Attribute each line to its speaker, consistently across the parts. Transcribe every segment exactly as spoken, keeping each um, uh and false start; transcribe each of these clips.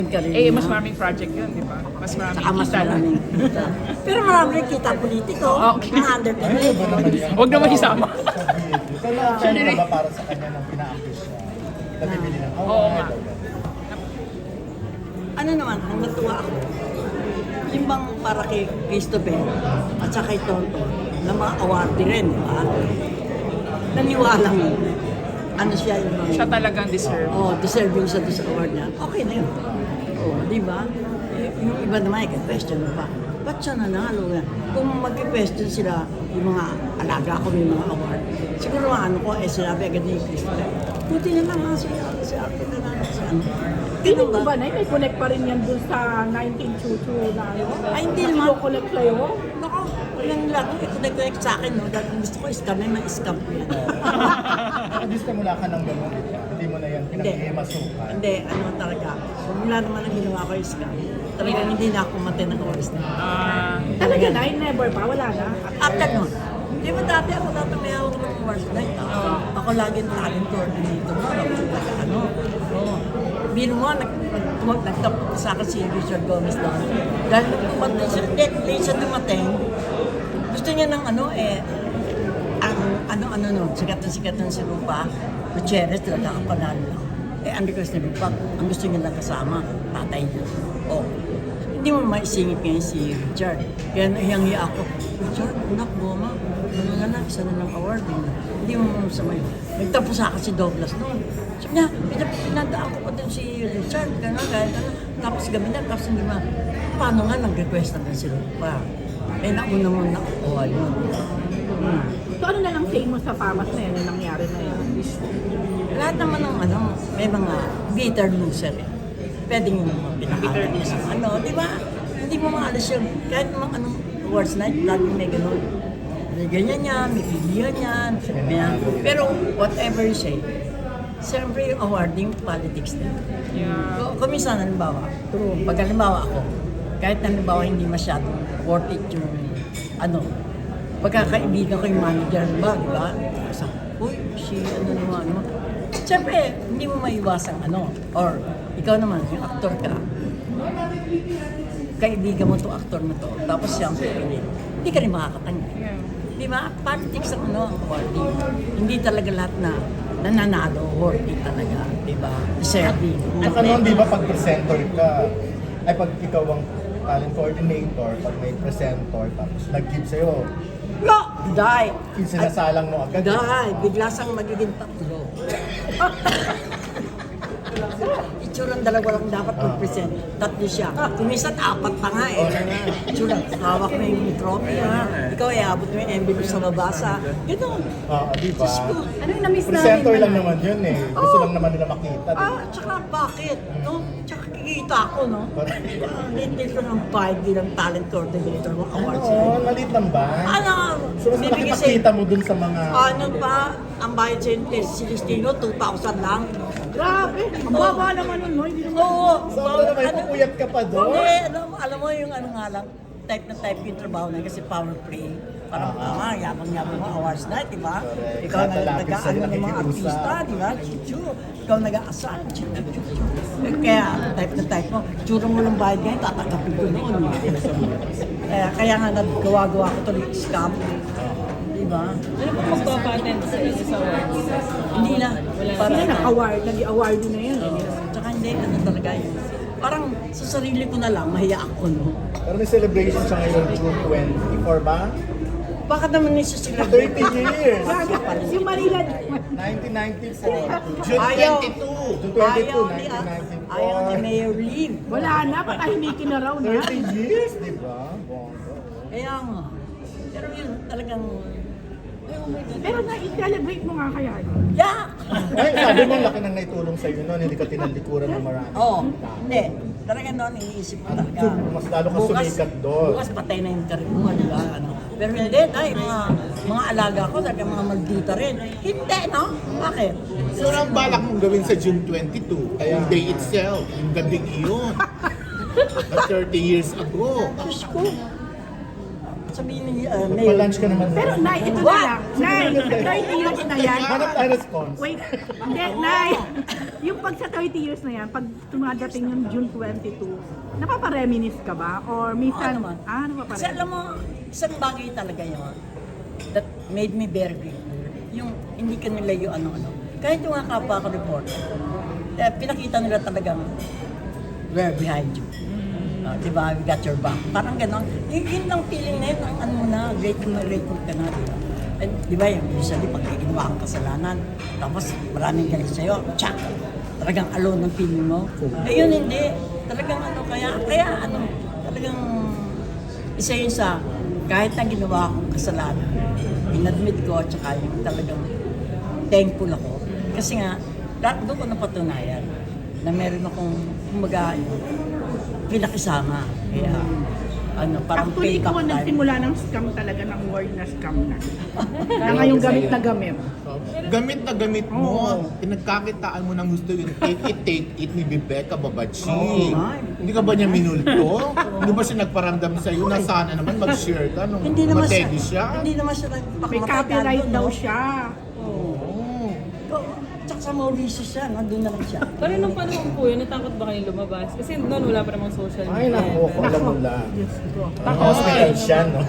Speaker 1: Eh, mas maraming project yun, di ba? Mas maraming
Speaker 2: Saka mas
Speaker 1: kita lang.
Speaker 2: maraming kita. Pero maraming kita politiko.
Speaker 1: Oh, okay.
Speaker 2: Mga underpaid.
Speaker 1: Huwag naman isama.
Speaker 3: Kaya time na ba para sa kanya nang pina-accuse siya? Nabibili ng
Speaker 1: Oo
Speaker 3: award.
Speaker 1: nga.
Speaker 2: Ano naman, ang natuwa ako, yung bang para kay Christopher at saka kay Tonto, na mga awardee rin, di ba? Naniwalang, ano siya yung mga,
Speaker 1: Siya talagang deserve.
Speaker 2: oh, deserving siya doon sa award niya. Okay na yun. Oh, di ba? Eh, yung iba naman, i-question mo pa. Ba't siya nanalo nga? Kung mag-question sila, yung mga alaga ko may mga award, siguro mga ano ko, eh sinabi agad ni Christopher, buti na lang nga siya, si Arte na lang, si ano.
Speaker 4: Feeling ko ba na may connect pa rin yan dun sa nineteen twenty-two na ano?
Speaker 2: Ay, hindi naman.
Speaker 4: Connect kayo?
Speaker 2: Naku, yung lang, i-connect sa akin, no? Dahil gusto ko scam, may ma-scam ko yan.
Speaker 3: Nakasimula ka ng gano'n, di ba? Hindi mo na yan
Speaker 2: Hindi.
Speaker 3: pinag-iimasukan.
Speaker 2: Hindi, ano talaga. Mula naman ang ginawa ko yung scam. Talagang hindi na ako mati ng oras na.
Speaker 1: Ah,
Speaker 4: Talaga na, never pa, wala na.
Speaker 2: After nun, di ba dati ako dati may hawak ng oras na ito? Ako lagi ang talent coordinator mo. Ako talaga ano. Oo. Biro mo, nag, nag, nagtapos sa akin si Richard Gomez doon. Dahil nung dumating siya, late, late siya dumating, gusto niya ng ano eh, ang ano-ano no, sikat na sikat na si Rupa, Gutierrez, talaga kapanalo lang. Eh, ang request ni Rupa, ang gusto niya lang kasama, tatay niya. Oh. Hindi mo maisingit ngayon si Richard. Kaya nahiyang-hiya ako, Richard, anak, goma, ano na lang, isa na lang award. Eh. Hindi mo masamay. Nagtapos sa akin si Douglas noon. Sabi niya, pinap- pinadaan ko pa din si Richard, gano'n, gano'n, gano'n. Tapos gabi na, tapos hindi ba, paano nga nag-request na din si Rupa? Eh, nauna mo na nakuha yun. Hmm.
Speaker 4: So ano na lang say mo sa famas na yan, yung nangyari na yan?
Speaker 2: Lahat naman ng ano, may mga bitter loser eh. Pwede nyo naman pinakita niya sa ano, di ba? Hindi mo maalas yun. Kahit mga anong awards night, lagi may ganun. May ganyan yan, may pilihan yan. May, pero whatever you say, siyempre yung awarding politics din.
Speaker 1: yeah.
Speaker 2: So, kuminsan, halimbawa, pag halimbawa ako, kahit halimbawa hindi masyadong worth it yung ano, pagkakaibigan ko yung manager ba, di ba? Kasi, uy, si ano naman, ano. Siyempre, hindi mo maiwasang ano, or ikaw naman, yung aktor ka, kaibigan mo itong aktor na to, tapos siyang pipili, hindi ka rin makakatanggi.
Speaker 1: Yeah.
Speaker 2: Di ba? Politics ang ano, ang awarding. Hindi talaga lahat na nananalo, worth it talaga, di ba? Deserving.
Speaker 3: Saka noon, di ba, pag presenter ka, ay pag ikaw ang talent coordinator, pag may presenter, tapos nag-give sa'yo,
Speaker 2: No! Die!
Speaker 3: sinasalang mo agad.
Speaker 2: Die! Bigla siyang magiging tatlo. Itsurang dalawa lang dapat mag-present. Tatlo siya. Kumisan, apat pa nga eh. Itsura, hawak mo yung trophy ha. Ikaw ay abot mo yung envelope sa babasa. Gano'n.
Speaker 3: Oo, di ba?
Speaker 2: Diyos ko.
Speaker 4: Ano yung na-miss namin?
Speaker 3: Presenter lang naman yun eh. Gusto
Speaker 2: Oo.
Speaker 3: lang naman nila makita. di ba?
Speaker 2: Ah, tsaka bakit? No? Tsaka kikita ako, no?
Speaker 3: Correct.
Speaker 2: Hindi ko ng five bilang talent coordinator mo awards.
Speaker 3: Oo, nalit lang ba?
Speaker 2: Ano?
Speaker 3: So, mas
Speaker 2: Bibigay
Speaker 3: nakikita
Speaker 2: sa'yo.
Speaker 3: mo dun sa mga...
Speaker 2: Ano pa? Ang bayad sa eh, si Celestino, two thousand lang.
Speaker 4: Grabe, ang baba naman nun, no? Hindi naman.
Speaker 2: Oo.
Speaker 3: So, ano, may pupuyat ka pa doon?
Speaker 2: Hindi, alam, alam mo yung ano nga lang, type na type yung trabaho na yun kasi power play. Parang
Speaker 3: Ah,
Speaker 2: ah, yabang-yabang mo, awards night, di ba?
Speaker 3: Correct.
Speaker 2: Ikaw na
Speaker 3: Tatalapit
Speaker 2: nag-ano
Speaker 3: sa'yo,
Speaker 2: ng mga
Speaker 3: nakikiusap.
Speaker 2: artista, di ba? Chuchu. Ikaw nag-aasal, chuchu, chuchu. Eh, kaya type na type mo, tsura mo ng bayad ngayon, tatakapin ko noon. Kaya, kaya nga nagawa-gawa ko tuloy scam. Di ba?
Speaker 5: Ano po magpa-patent sa isa sa awards?
Speaker 2: Hindi na. Para
Speaker 4: Sila nag-award, nag-award na yun.
Speaker 2: Tsaka hindi, ano talaga yun. Parang sa sarili ko na lang, mahiya ako, no?
Speaker 3: Pero may celebration siya ngayon, June twenty-four ba?
Speaker 2: Bakit naman nisa sila?
Speaker 3: thirty years!
Speaker 4: Yung Manila,
Speaker 3: nineteen ninety-four. June
Speaker 2: Ayaw.
Speaker 3: twenty-two. June twenty-two,
Speaker 2: Ayaw ni,
Speaker 3: nineteen ninety-four.
Speaker 2: ayaw ni Mayor Lim.
Speaker 4: wala na, patahimikin na raw na.
Speaker 3: thirty years, di ba? Bongga.
Speaker 2: Kaya nga. Pero yun, talagang,
Speaker 4: Pero na-celebrate mo nga kaya yun.
Speaker 2: yak!
Speaker 3: Ay, sabi mo, laki nang naitulong sa'yo noon, hindi ka tinalikuran ng marami.
Speaker 2: Oo, oh, hindi. Talagang noon, iniisip ko talaga.
Speaker 3: Mas lalo ka sumikat doon.
Speaker 2: Bukas patay na yung karir mo, di ba? Ano? Pero hindi, dahil mga, mga alaga ko, talagang mga maldita rin. Hindi, no? Bakit?
Speaker 6: So, ang balak mong gawin sa June twenty-two, yung day itself, yung gabing iyon. Na thirty years ago.
Speaker 2: Diyos ko. sabihin ni uh, Mayor.
Speaker 3: Pa-lunch ka naman.
Speaker 4: Pero Nay, ito na
Speaker 2: What?
Speaker 4: lang. Nay, thirty years na yan.
Speaker 3: Hanap tayo response.
Speaker 4: Wait, hindi, Nay. Yung pag sa thirty years na yan, pag tumadating yung June twenty-two, napapareminis ka ba? Or minsan,
Speaker 2: Oo naman.
Speaker 4: ah,
Speaker 2: Kasi
Speaker 4: napapareminis?
Speaker 2: alam mo, isang bagay talaga yun that made me very grateful. Yung hindi ka nila yung ano-ano. Kahit yung mga kapwa ko reporter, eh, pinakita nila talagang we're behind you. Uh, di ba? We got your back. Parang gano'n. Yun, yun lang feeling na yun. Ang ano mo na, grateful na grateful ka na. Di ba? And, di ba yung usually pag ginawa kang kasalanan, tapos maraming galit sa'yo, tsak! Talagang alone ang feeling mo. Eh yun hindi. Talagang ano, kaya, kaya ano, talagang isa yun sa, kahit na ginawa akong kasalanan, inadmit ko at saka yung talagang thankful ako. Kasi nga, lahat doon ko napatunayan na meron akong, kumbaga, pinakisama. Kaya, ano, parang
Speaker 4: Actually, ikaw ang
Speaker 2: time.
Speaker 4: nagsimula ng scam talaga, ng word na scam na. Kaya nga yung gamit na gamit.
Speaker 6: So, gamit na gamit mo, pinagkakitaan mo ng gusto yung take it, take it ni Bebecca Babachi.
Speaker 2: Oo nga.
Speaker 6: Hindi ka ba niya minulto? Hindi ba siya nagparamdam sa'yo na sana naman mag-share ka nung
Speaker 2: Hindi naman siya,
Speaker 6: mategi siya?
Speaker 2: hindi naman siya
Speaker 4: May
Speaker 2: nagpakamatay
Speaker 4: copyright
Speaker 2: doon,
Speaker 4: daw
Speaker 2: no?
Speaker 4: siya.
Speaker 6: Oo.
Speaker 2: Oo. Tsaka sa Mauricio siya, nandun na lang siya.
Speaker 5: Pero nung panahon po yun, natakot ba kayo lumabas? Kasi noon wala pa namang social media.
Speaker 3: Ay, naku, ko alam mo lang.
Speaker 4: Diyos ko.
Speaker 3: Hospital siya, no?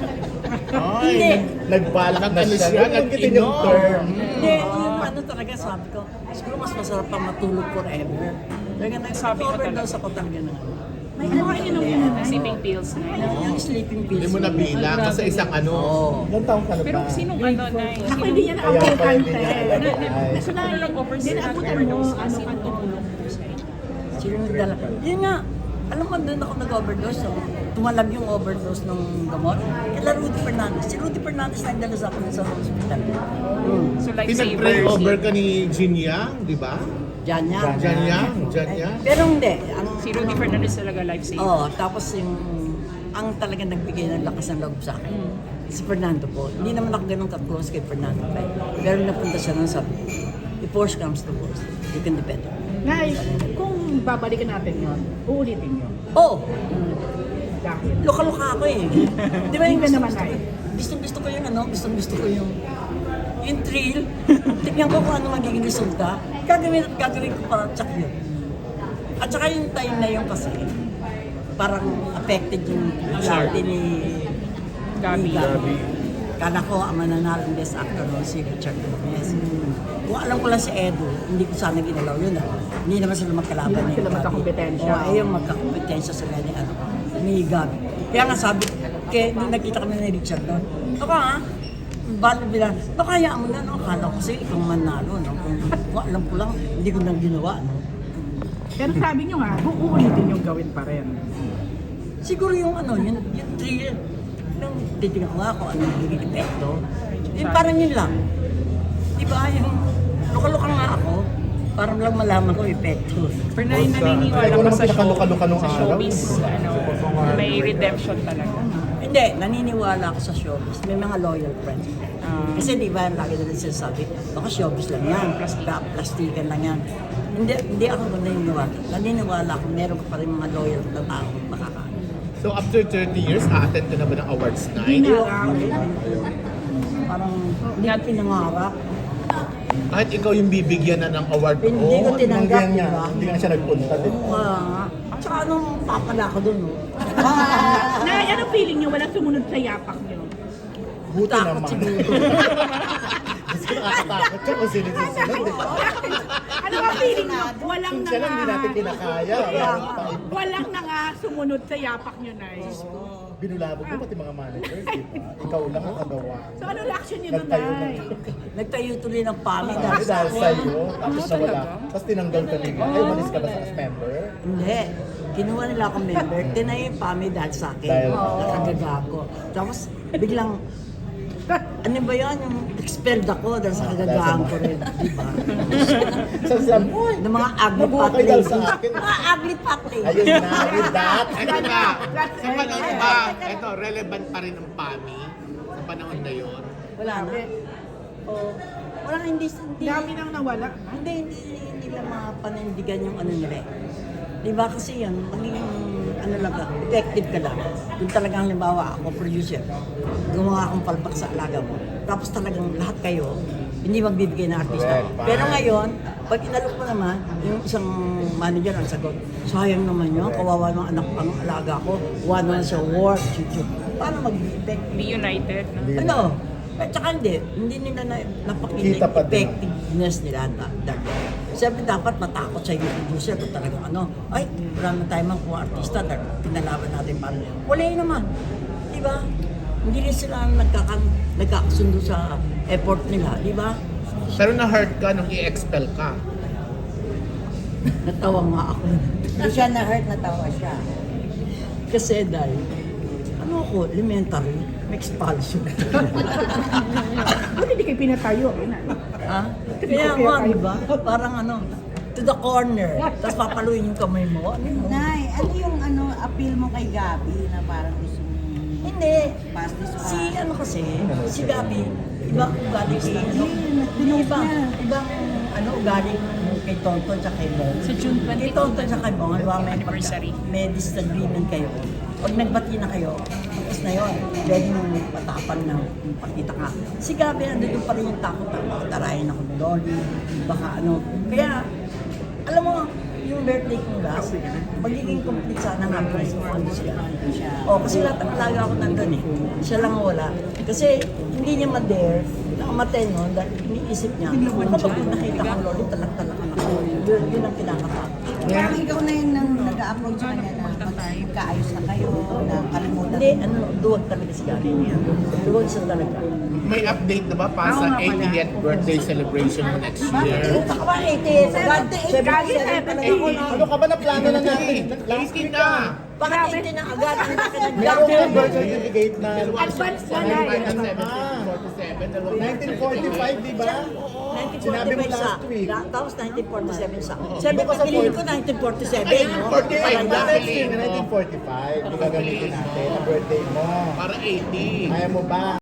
Speaker 6: Ay,
Speaker 2: Hindi.
Speaker 3: Nagbalak na
Speaker 6: Nag-ano
Speaker 3: siya.
Speaker 6: siya,
Speaker 3: Nagkitin yung
Speaker 6: nag-inom.
Speaker 3: term.
Speaker 2: Hindi, yung ano talaga sabi ko, siguro mas masarap pang matulog forever. Kaya nag-overdose ako talaga na.
Speaker 4: May ano kayo nung yun?
Speaker 1: Sleeping pills na yun.
Speaker 2: Yung sleeping pills.
Speaker 6: hindi mo nabilang kasi isang ano.
Speaker 2: Oo.
Speaker 3: Ilang taong ka na ba?
Speaker 1: Pero sinong ano na yun?
Speaker 4: Ako hindi niya
Speaker 3: Kaya
Speaker 4: na-abutan
Speaker 3: pala hindi
Speaker 4: te.
Speaker 3: niya alam. Ay.
Speaker 4: Kasi na, hindi na-abutan mo, ano ka to.
Speaker 2: Sino nagdala? Yun nga, alam mo, doon ako nag-overdose. So, tumalab yung overdose ng gamot. Kila Rudy Fernandez. Si Rudy Fernandez nagdala sa akin sa hospital.
Speaker 1: So lifesavers.
Speaker 6: Pinag-pray over ka ni Jin Yang, di ba?
Speaker 2: Diyan niya.
Speaker 6: Jan Yang, Jan Yang.
Speaker 2: Pero hindi. Ang,
Speaker 1: Si Rudy Fernandez talaga lifesaver.
Speaker 2: Oo, tapos yung ang talagang nagbigay ng lakas ng loob sa akin, si Fernando po. Hindi naman ako ganun ka-close kay Fernando. Pero napunta siya nung sabi, if worse comes to worse, you can do better.
Speaker 4: Ngay, kung babalikan natin yun, uulitin yun.
Speaker 2: Oo,
Speaker 4: Dahil.
Speaker 2: luka-luka ako eh. Di ba yung
Speaker 4: Hindi
Speaker 2: gusto,
Speaker 4: naman
Speaker 2: gusto,
Speaker 4: ay.
Speaker 2: gusto, gusto ko yung ano, gusto, gusto ko yung yung thrill. Tignan ko kung ano magiging resulta. Gagawin at gagawin ko para tsak yun. At saka yung time na yun kasi, parang affected yung reality ni
Speaker 1: Gabi.
Speaker 2: ni Gabi. Kala ko ang mananalang best actor noon si Richard Gomez. Kung alam ko lang si Edo, hindi ko sana ginalaw yun ah. Hindi naman sila magkalaban
Speaker 4: Hindi naman
Speaker 2: ni
Speaker 4: sila
Speaker 2: Gabi.
Speaker 4: magkakompetensya.
Speaker 2: Oo, ayun magkakompetensya sila ni, ano, ni Gabi. Kaya nga sabi, kaya nung nakita kami ni Richard noon, ako ha, balo bilang, baka hayaan mo na, no? Akala ko kasi ikaw manalo, no? Kung, kung alam ko lang, hindi ko nang ginawa, no?
Speaker 4: Pero sabi nyo nga, uulitin yung gawin pa rin.
Speaker 2: Siguro yung ano, yung, yung thrill, nung titignan ko nga kung ano yung naging epekto, yung parang yun lang. Di ba, yung luka-luka nga ako, parang lang malaman ko yung epekto.
Speaker 1: Pero na naniniwala
Speaker 3: Ikaw
Speaker 1: ka
Speaker 3: naman
Speaker 1: sa show,
Speaker 3: pinakaluka-luka nung
Speaker 1: sa
Speaker 3: araw.
Speaker 1: showbiz, ano, may redemption talaga.
Speaker 2: Hindi, naniniwala ako sa showbiz. May mga loyal friends.
Speaker 1: Ah.
Speaker 2: Kasi di ba, lagi na rin sinasabi, baka showbiz lang yan, plastika, plastikan lang yan. Hindi, hindi ako naniniwala. Naniniwala ako, meron ka pa rin mga loyal na tao makakaano.
Speaker 6: So after thirty years, a-attend ka na ba ng awards night?
Speaker 4: Hindi na.
Speaker 2: Parang hindi ko pinangarap.
Speaker 6: Kahit ikaw yung bibigyan na ng award
Speaker 2: Hindi
Speaker 6: mo,
Speaker 2: ko tinanggap,
Speaker 3: Tinanggihan
Speaker 2: di
Speaker 3: niya.
Speaker 2: ba?
Speaker 3: Hindi nga siya nagpunta din.
Speaker 2: Ah, tsaka anong papala ko dun, no?
Speaker 4: Nay, anong feeling nyo? Walang sumunod sa yapak nyo.
Speaker 3: Buti
Speaker 2: Takot
Speaker 3: naman.
Speaker 2: siguro.
Speaker 3: Gusto nakakatakot siya kung sino susunod, di ba?
Speaker 4: Ano ang feeling nyo? Walang
Speaker 3: Kung siya lang hindi natin
Speaker 4: nga,
Speaker 3: kinakaya. Meron pa.
Speaker 4: walang na nga sumunod sa yapak nyo, Nay.
Speaker 3: Binulabog mo pati mga managers, di ba? Ikaw lang ang kagawa.
Speaker 4: So ano reaction nyo doon,
Speaker 3: Nagtayo
Speaker 4: Nay?
Speaker 3: ng
Speaker 2: Nagtayo tuloy ng pami
Speaker 3: Sabi
Speaker 2: dahil sa
Speaker 3: dahil
Speaker 2: akin.
Speaker 3: sa'yo, tapos nawala. Tapos tinanggal ka nila. Ay, umalis ka ba sa as member?
Speaker 2: Hindi. Kinuha nila akong member. Tinayo yung pami dahil sa akin.
Speaker 3: Dahil-
Speaker 2: Nakagagago. Tapos biglang, ano ba yan? Yung expelled ako dahil sa kagagahan ko rin. Di ba?
Speaker 3: Sa samoy.
Speaker 2: Ng mga ugly
Speaker 3: Nabuhay
Speaker 2: fat
Speaker 3: dahil
Speaker 2: lady.
Speaker 3: sa akin.
Speaker 2: Mga ugly fat lady.
Speaker 3: Ayun na, with that.
Speaker 6: Ito na, sa panahon ba, ito, relevant pa rin ang P A M I sa panahon na yun.
Speaker 2: Wala na. Oh, wala hindi hindi.
Speaker 4: Dami nang nawala.
Speaker 2: Hindi hindi hindi nila mapanindigan yung ano nila. eh. Di ba kasi yan, magiging ano ano lang ka, effective ka lang. Kung talagang halimbawa ako, producer, gumawa akong palpak sa alaga mo. Tapos talagang lahat kayo, hindi magbibigay ng artista.
Speaker 6: Correct, fine.
Speaker 2: Pero ngayon, pag inalok mo naman, yung isang manager ang sagot, sayang naman yun, kawawa ng anak pang alaga ko, wala na sa work, chuchu. Paano mag-effect?
Speaker 1: Be united. No?
Speaker 3: Hindi
Speaker 2: Ano? At saka hindi, hindi nila na, napakita
Speaker 3: Kita
Speaker 2: yung
Speaker 3: pa din.
Speaker 2: effectiveness nila da- dati. Siyempre dapat matakot sa yung producer kung talagang ano, ay, wala na tayo mang kung artista, dahil pinalaban natin para. Wala yun naman. Di ba? Hindi rin sila nagkakan, nagkakasundo sa effort nila, di ba?
Speaker 6: Pero na-hurt ka nung i-expel ka.
Speaker 2: Natawa nga ako.
Speaker 7: Hindi siya na-hurt, natawa siya.
Speaker 2: Kasi dahil, ano ako, elementary, may expulsion.
Speaker 4: Ba't hindi kayo pinatayo? Yun na.
Speaker 2: Ha? Kaya nga, di ba? Parang ano, to the corner. Tapos papaluin yung kamay mo. Ano yun?
Speaker 7: Nay, ano yung ano appeal mo kay Gabi na parang gusto mong
Speaker 2: Hindi.
Speaker 7: pass this
Speaker 2: Si ano kasi, si Gabi, ibang ugali kay ano,
Speaker 7: Pinost
Speaker 2: ibang,
Speaker 7: niya.
Speaker 2: ibang ano ugali kay Tonton at kay Bong.
Speaker 1: Sa June
Speaker 2: Kay
Speaker 1: twenty-two,
Speaker 2: Tonton at kay Bong, halimbawa may,
Speaker 1: anniversary.
Speaker 2: pagka- may disagreement kayo. Pag nagbati na kayo, tapos na yun, pwede mong patapang na pakita ka. Si Gabi, nandun pa rin yung takot na baka tarayin ako ni Loli, baka ano. Kaya, alam mo, yung birthday kong last, magiging complete sana nga kung ano siya. O, kasi lahat ng alaga ako nandun eh. Siya lang ang wala. Kasi hindi niya ma-dare na umatay nun dahil iniisip niya, ako pag nakita ko Loli, talak-talakan ako. Yun, yun ang kinakatakot.
Speaker 7: Parang ikaw na yun nang nag-upload sa kanya na magkaayos na kayo, na kalimutan.
Speaker 2: Hindi, ano, duwag talaga si Gabi niya. Duwag siya talaga.
Speaker 6: May update na ba para sa eightieth birthday celebration mo next year?
Speaker 2: Baka ba eighty? seventy-seven pa lang ako na.
Speaker 3: Ano ka ba na plano na natin? Last
Speaker 6: eighteen
Speaker 3: week
Speaker 6: na!
Speaker 3: ah.
Speaker 2: Bakit eighty na agad? Ang laki ng
Speaker 3: Meron
Speaker 2: gap.
Speaker 3: ka birth certificate na
Speaker 4: Advance na na.
Speaker 6: seventeen forty-seven,
Speaker 3: nineteen forty-five, di ba? Sinabi mo
Speaker 2: nineteen forty-five sa,
Speaker 3: last week.
Speaker 2: la- tapos nineteen forty-seven sa. Sabi
Speaker 3: Doon ka
Speaker 2: ko,
Speaker 3: sa
Speaker 2: pinili ko
Speaker 3: forty.
Speaker 2: nineteen forty-seven. no?
Speaker 6: forty-five na.
Speaker 3: Next week, nineteen forty-five. Yung gagamitin natin, ang birthday mo.
Speaker 6: Para eighty.
Speaker 3: Kaya mo ba?